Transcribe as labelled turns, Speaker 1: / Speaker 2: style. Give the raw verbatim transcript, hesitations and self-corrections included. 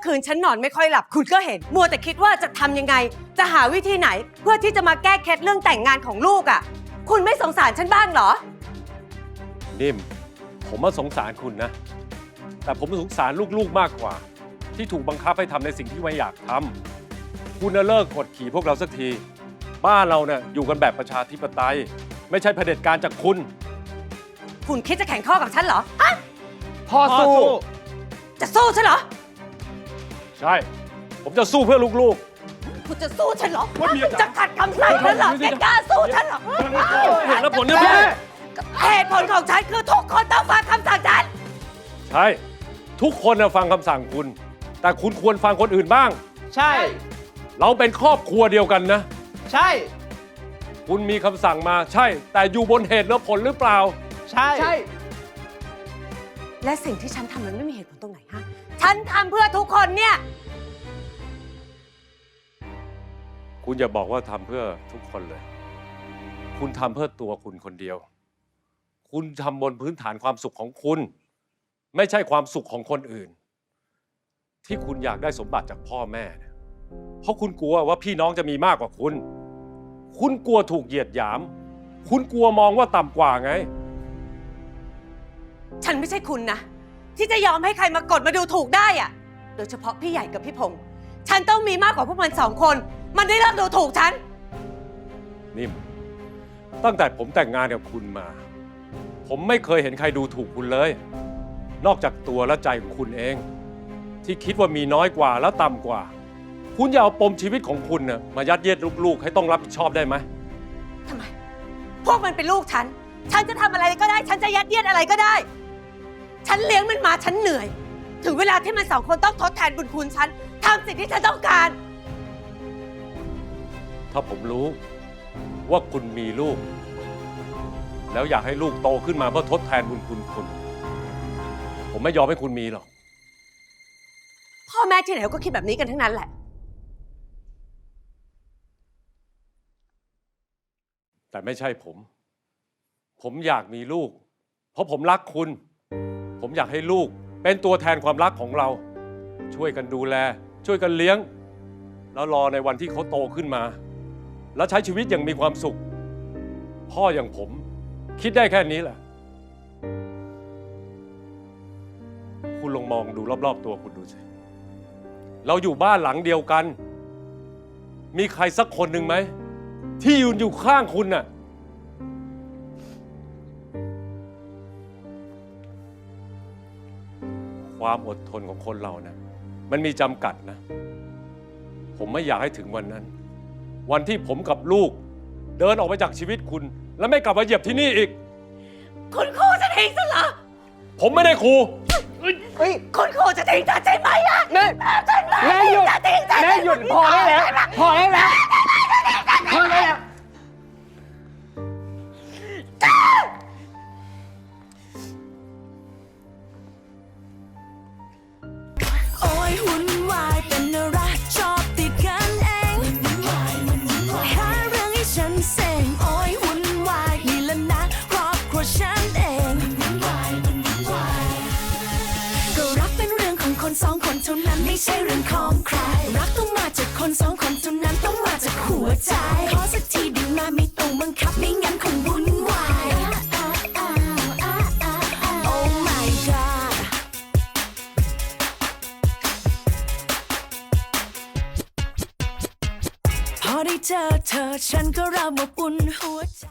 Speaker 1: คืนฉันนอนไม่ค่อยหลับคุณก็เห็นมัวแต่คิดว่าจะทำยังไงจะหาวิธีไหนเพื่อที่จะมาแก้เคล็ดเรื่องแต่งงานของลูกอ่ะคุณไม่สงสารฉันบ้างเหรอ
Speaker 2: นิ่มผมว่าสงสารคุณนะแต่ผมสงสารลูกๆมากกว่าที่ถูกบังคับให้ทำในสิ่งที่ไม่อยากทำคุณเลิกกดขี่พวกเราสักทีบ้านเราเนี่ยอยู่กันแบบประชาธิปไตยไม่ใช่เผด็จการจากคุณ
Speaker 1: คุณคิดจะแข่งข้อกับฉันเหรอฮะ
Speaker 3: พ่อสู้
Speaker 1: จะสู้ฉันเหรอ
Speaker 2: ใช่ผมจะสู้เพื่อลูก
Speaker 1: ๆคุณจะสู้ฉันเหรอจะขัดคำสั่งฉันเหรอแกกล้าสู้ฉันเหรอ
Speaker 2: เหตุและผลเนี่ยแม่
Speaker 1: เหตุผลของฉันคือทุกคนต้องฟังคำสั่งฉัน
Speaker 2: ใช่ทุกคนฟังคำสั่งคุณแต่คุณควรฟังคนอื่นบ้าง
Speaker 3: ใช่
Speaker 2: เราเป็นครอบครัวเดียวกันนะ
Speaker 3: ใช่
Speaker 2: คุณมีคำสั่งมาใช่แต่อยู่บนเหตุและผลหรือเปล่า
Speaker 3: ใช่ใช่
Speaker 1: และสิ่งที่ฉันทำมันไม่มีเหตุผลตรงไหนฮะฉันทำเพื่อทุกคนเนี่ย
Speaker 2: คุณอย่าบอกว่าทำเพื่อทุกคนเลยคุณทำเพื่อตัวคุณคนเดียวคุณทำบนพื้นฐานความสุขของคุณไม่ใช่ความสุขของคนอื่นที่คุณอยากได้สมบัติจากพ่อแม่เพราะคุณกลัวว่าพี่น้องจะมีมากกว่าคุณคุณกลัวถูกเหยียดหยามคุณกลัวมองว่าต่ำกว่าไง
Speaker 1: ฉันไม่ใช่คุณนะที่จะยอมให้ใครมากดมาดูถูกได้อะโดยเฉพาะพี่ใหญ่กับพี่พงษ์ฉันต้องมีมากกว่าพวกมันสองคนมันได้เลิกดูถูกฉัน
Speaker 2: นิ่มตั้งแต่ผมแต่งงานกับคุณมาผมไม่เคยเห็นใครดูถูกคุณเลยนอกจากตัวและใจของคุณเองที่คิดว่ามีน้อยกว่าแล้วต่ำกว่าคุณอย่าเอาปมชีวิตของคุณนะมายัดเยียดลูกๆให้ต้องรับผิดชอบได้ไหม
Speaker 1: ทำไมพวกมันเป็นลูกฉันฉันจะทำอะไรก็ได้ฉันจะยัดเยียดอะไรก็ได้ฉันเลี้ยงมันมาฉันเหนื่อยถึงเวลาที่มันสองคนต้องทดแทนบุญคุณฉันทำสิ่งที่ฉันต้องการ
Speaker 2: ถ้าผมรู้ว่าคุณมีลูกแล้วอยากให้ลูกโตขึ้นมาเพื่อทดแทนบุญคุณคุณผมไม่ยอมให้คุณมีหรอก
Speaker 1: พ่อแม่ที่ไหนก็คิดแบบนี้กันทั้งนั้นแหละ
Speaker 2: แต่ไม่ใช่ผมผมอยากมีลูกเพราะผมรักคุณผมอยากให้ลูกเป็นตัวแทนความรักของเราช่วยกันดูแลช่วยกันเลี้ยงแล้วรอในวันที่เขาโตขึ้นมาแล้วใช้ชีวิตอย่างมีความสุขพ่ออย่างผมคิดได้แค่นี้แหละคุณลองมองดูรอบๆตัวคุณดูสิเราอยู่บ้านหลังเดียวกันมีใครสักคนหนึ่งไหมที่ยืนอยู่ข้างคุณน่ะความอดทนของคนเรานะมันมีจำกัดนะผมไม่อยากให้ถึงวันนั้นวันที่ผมกับลูกเดินออกไปจากชีวิตคุณแล้วไม่กลับมาเหยียบที่นี่อีก
Speaker 1: คุณครูจะทิ้งฉันเหรอ
Speaker 2: ผมไม่ได้ครู
Speaker 1: คุณครูจะทิ้งฉันใช่ไหมอ่ะ
Speaker 3: แม่แม่หยุดแม่หยุดพอได้แล้วพอได้แล้วพอได้แล้ว
Speaker 4: โอ้ยหุ่นวายเป็นอะไรชอบติดกันเองหาเรื่องให้ฉันเซ็งโอ้ยหุ่นวายนี่แหละนะครอบครัวฉันเองก็รักเป็นเรื่องของคนสองคนเท่านั้นไม่ใช่เรื่องของใครรักต้องมาจากคนสองคนเท่านั้นต้องมาจากหัวใจขอสักทีดีมาไม่ต้องบังคับไม่งั้นคงวุ่นวายโอ้ my godพอได้เจอเธอฉันก็เริ่มอบอุ่นหัวใจ